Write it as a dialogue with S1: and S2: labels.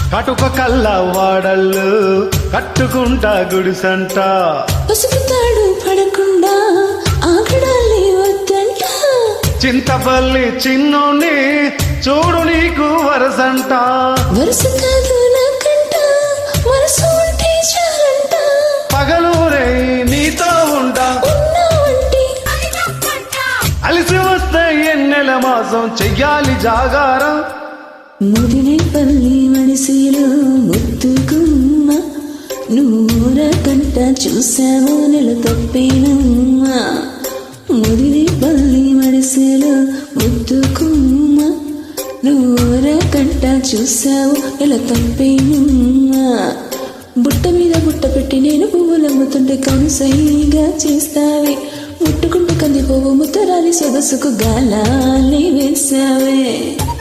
S1: కటుక కల్ల వాడళ్ళు కట్టుకుంటా గుడిసంట
S2: పసుపు తాడు పడకుండా ఆగడాలి వద్దంట
S1: చింతపల్లి చిన్నోని చూడు నీకు వరసంట
S2: వరుస కాదు నాకంట మనసు ఉంటే చాలంట
S1: పగలూరే నీతో ఉంటా
S2: ఉన్నావంటే
S1: అలిసి వస్తే ఎన్నెల మాసం చెయ్యాలి జాగారం
S2: ముదినేపల్లి మడిసిలో ముద్దుకుమ్మ నూర కంట చూసావు నెల తప్పేనమ్మా ముదినేపల్లి మడిసిలో ముద్దుకుమ్మ నూర కంట చూసావు నెల తప్పేనమ్మా బుట్ట మీద బుట్ట పెట్టి నేను పువ్వులమ్ముతుంటే కనుసైగా చేస్తావే ముట్టుకుంటూ కందిపోవు ముత్తరాలి సొగసుకు గాలాలి వేసావే